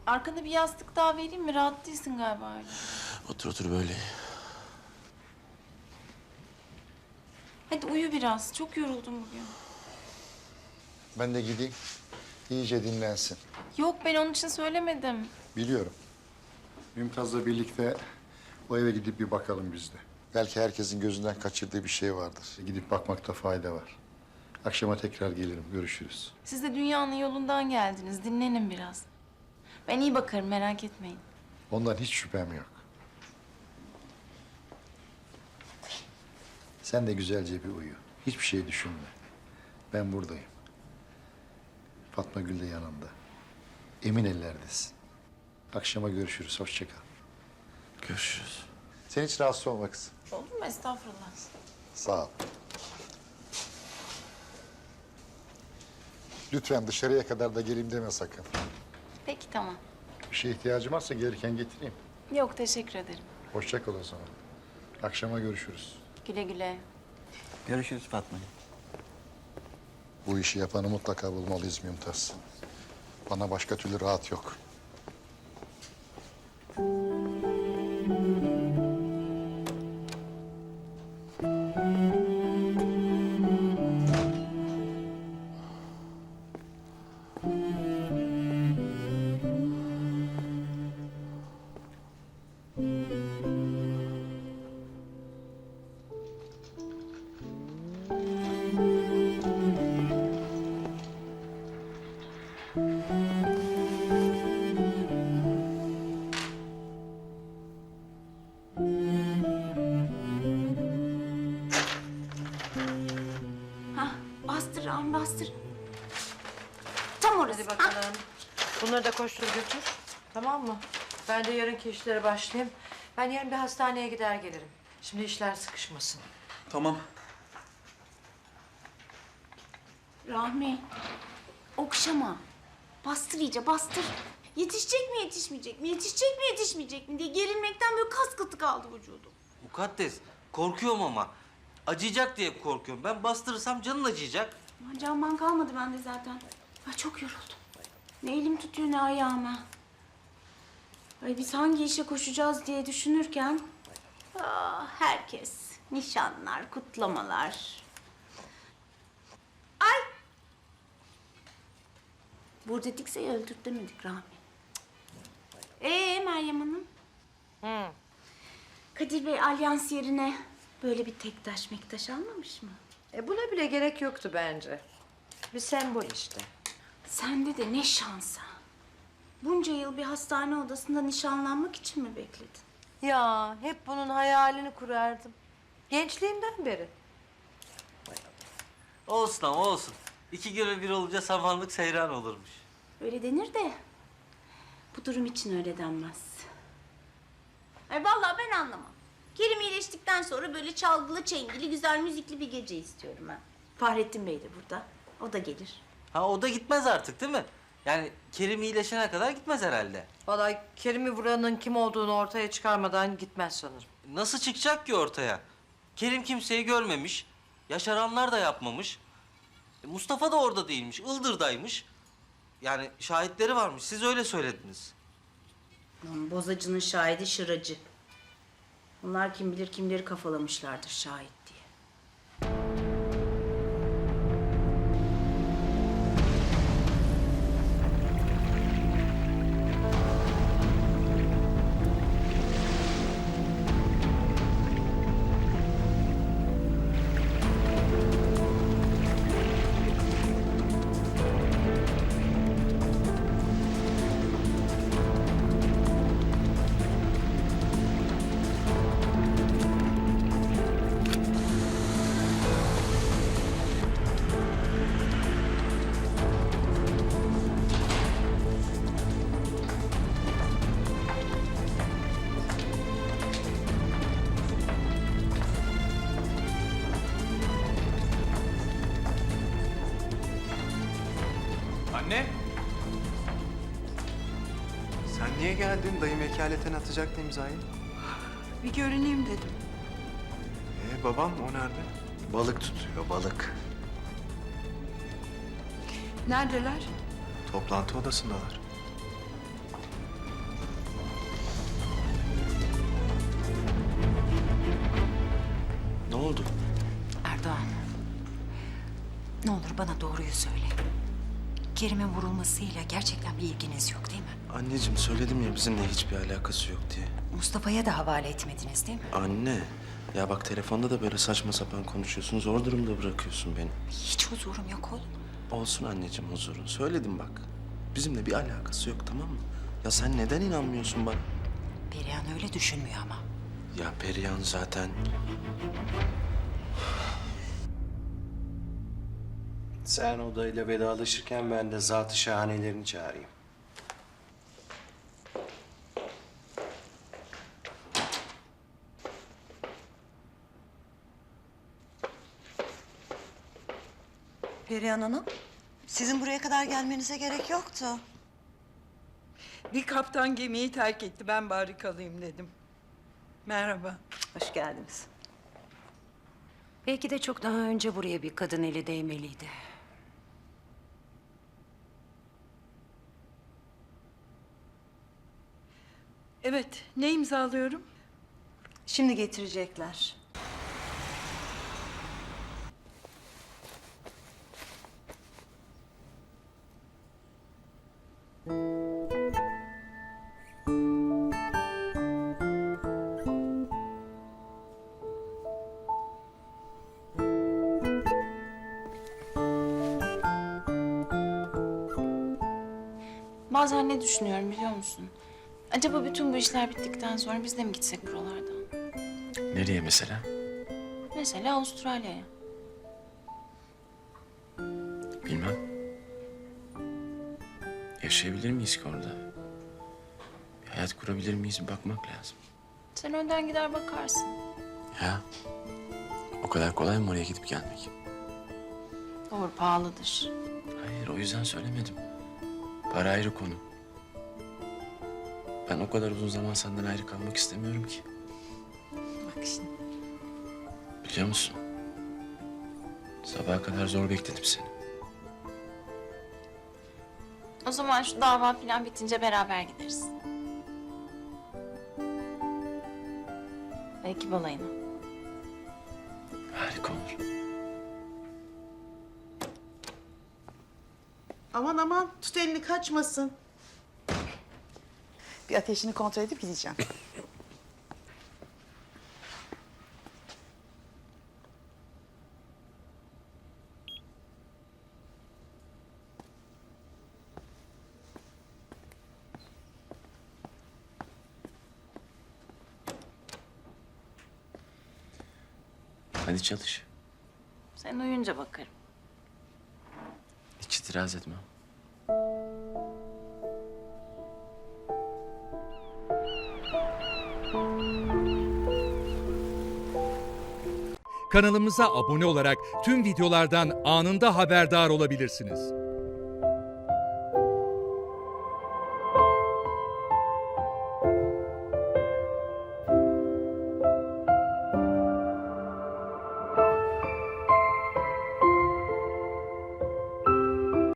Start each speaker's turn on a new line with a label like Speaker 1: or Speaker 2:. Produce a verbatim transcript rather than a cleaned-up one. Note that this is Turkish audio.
Speaker 1: Arkada bir yastık daha vereyim mi? Rahat değilsin galiba öyle.
Speaker 2: Otur otur böyle.
Speaker 1: Hadi uyu biraz. Çok yoruldum bugün.
Speaker 3: Ben de gideyim. İyice dinlensin.
Speaker 1: Yok, ben onun için söylemedim.
Speaker 3: Biliyorum. Mümtaz'la birlikte o eve gidip bir bakalım biz de. Belki herkesin gözünden kaçırdığı bir şey vardır. Gidip bakmakta fayda var. Akşama tekrar gelirim. Görüşürüz.
Speaker 1: Siz de dünyanın yolundan geldiniz. Dinlenin biraz. Ben iyi bakarım, merak etmeyin.
Speaker 3: Ondan hiç şüphem yok. Sen de güzelce bir uyu. Hiçbir şey düşünme. Ben buradayım. Fatma Gül de yanında. Emin ellerdesin. Akşama görüşürüz. Hoşça kal.
Speaker 2: Görüşürüz.
Speaker 3: Sen hiç rahatsız olma kızım.
Speaker 1: Olur mu? Estağfurullah.
Speaker 3: Sağ ol. Lütfen dışarıya kadar da geleyim deme sakın.
Speaker 1: Peki, tamam.
Speaker 3: Bir şeye ihtiyacım varsa gelirken getireyim.
Speaker 1: Yok, teşekkür ederim.
Speaker 3: Hoşça kal o zaman. Akşama görüşürüz.
Speaker 1: Güle güle.
Speaker 2: Görüşürüz Fatma'cığım.
Speaker 3: Bu işi yapanı mutlaka bulmalıyız Mümtaz. Bana başka türlü rahat yok.
Speaker 1: Hah, bastır ağam, bastır. Tam orası.
Speaker 4: Hadi bakalım. Bunları da koştur götür. Tamam mı? Ben de yarınki işlere başlayayım. Ben yarın bir hastaneye gider gelirim. Şimdi işler sıkışmasın.
Speaker 2: Tamam.
Speaker 1: Rahmi, okşama. Bastır iyice, bastır. Yetişecek mi, yetişmeyecek mi, yetişecek mi, yetişmeyecek mi diye gerilmekten böyle kas katı kaldı vücudum.
Speaker 5: Mukaddes, korkuyorum ama. Acıyacak diye korkuyorum. Ben bastırırsam canın acıyacak.
Speaker 1: Aman canman kalmadı bende zaten. Ay çok yoruldum. Ne elim tutuyor ne ayağım ha. Ay biz hangi işe koşacağız diye düşünürken... Ah, herkes. Nişanlar, kutlamalar. Ay! Burada dikseyi öldürt demedik Rahmi. Ee Meryem Hanım?
Speaker 4: Hı.
Speaker 1: Kadir Bey alyans yerine böyle bir tek taş mektaş almamış mı?
Speaker 4: E buna bile gerek yoktu bence. Bir sembol işte.
Speaker 1: Sende de ne şansa. Bunca yıl bir hastane odasında nişanlanmak için mi bekledin?
Speaker 4: Ya hep bunun hayalini kurardım. Gençliğimden beri.
Speaker 5: Olsun ama olsun. İki göre bir olunca samanlık seyran olurmuş.
Speaker 1: Öyle denir de bu durum için öyle denmez. Ay vallahi ben anlamam. Kerim iyileştikten sonra böyle çalgılı çengili güzel müzikli bir gece istiyorum ben. Fahrettin Bey de burada. O da gelir.
Speaker 5: Ha o da gitmez artık değil mi? Yani Kerim iyileşene kadar gitmez herhalde.
Speaker 4: Vallahi Kerim'i vuranın kim olduğunu ortaya çıkarmadan gitmez sanırım.
Speaker 5: Nasıl çıkacak ki ortaya? Kerim kimseyi görmemiş. Yaşaranlar da yapmamış. E, Mustafa da orada değilmiş. Ildır'daymış. Yani şahitleri varmış. Siz öyle söylediniz.
Speaker 1: Lan bozacının şahidi şıracı. Onlar kim bilir kimleri kafalamışlardır şahit diye.
Speaker 6: Anne! Sen niye geldin? Dayım vekaleten atacaktı imzayı.
Speaker 4: Bir görüneyim dedim.
Speaker 6: Ee babam o nerede?
Speaker 3: Balık tutuyor, balık.
Speaker 4: Neredeler?
Speaker 6: Toplantı odasındalar.
Speaker 2: oldu?
Speaker 7: Erdoğan, ne olur bana doğruyu söyle. Kerim'in vurulmasıyla gerçekten bir ilginiz yok değil mi?
Speaker 2: Anneciğim söyledim ya bizimle hiçbir alakası yok diye.
Speaker 7: Mustafa'ya da havale etmediniz değil mi?
Speaker 2: Anne. Ya bak telefonda da böyle saçma sapan konuşuyorsun. Zor durumda bırakıyorsun beni.
Speaker 7: Hiç huzurum yok oğlum.
Speaker 2: Olsun anneciğim huzurun. Söyledim bak. Bizimle bir alakası yok tamam mı? Ya sen neden inanmıyorsun bana?
Speaker 7: Perihan öyle düşünmüyor ama.
Speaker 2: Ya Perihan zaten...
Speaker 8: Sen odayla vedalaşırken ben de zat-ı şahanelerini çağırayım.
Speaker 9: Perihan Hanım, sizin buraya kadar gelmenize gerek yoktu.
Speaker 10: Bir kaptan gemiyi terk etti. Ben bari kalayım dedim. Merhaba.
Speaker 9: Hoş geldiniz.
Speaker 7: Belki de çok daha önce buraya bir kadın eli değmeliydi.
Speaker 10: Evet, ne imzalıyorum?
Speaker 9: Şimdi getirecekler.
Speaker 11: Bazen ne düşünüyorum biliyor musun? Acaba bütün bu işler bittikten sonra biz de mi gitsek buralardan?
Speaker 2: Nereye mesela?
Speaker 11: Mesela Avustralya'ya.
Speaker 2: Bilmem. Yaşayabilir miyiz ki orada? Bir hayat kurabilir miyiz bir bakmak lazım.
Speaker 11: Sen önden gider bakarsın.
Speaker 2: Ya o kadar kolay mı oraya gidip gelmek?
Speaker 11: Doğru, pahalıdır.
Speaker 2: Hayır o yüzden söylemedim. Para ayrı konu. Ben o kadar uzun zaman senden ayrı kalmak istemiyorum ki.
Speaker 11: Bak şimdi.
Speaker 2: Biliyor musun? Sabaha kadar zor bekledim seni.
Speaker 11: O zaman şu dava falan bitince beraber gideriz. Belki balayına.
Speaker 2: Harika olur.
Speaker 12: Aman aman tut elini kaçmasın. Bir ateşini kontrol edip gideceğim.
Speaker 2: Hadi çalış.
Speaker 11: Sen uyuyunca bakarım.
Speaker 2: Hiç itiraz etmem.
Speaker 13: Kanalımıza abone olarak tüm videolardan anında haberdar olabilirsiniz.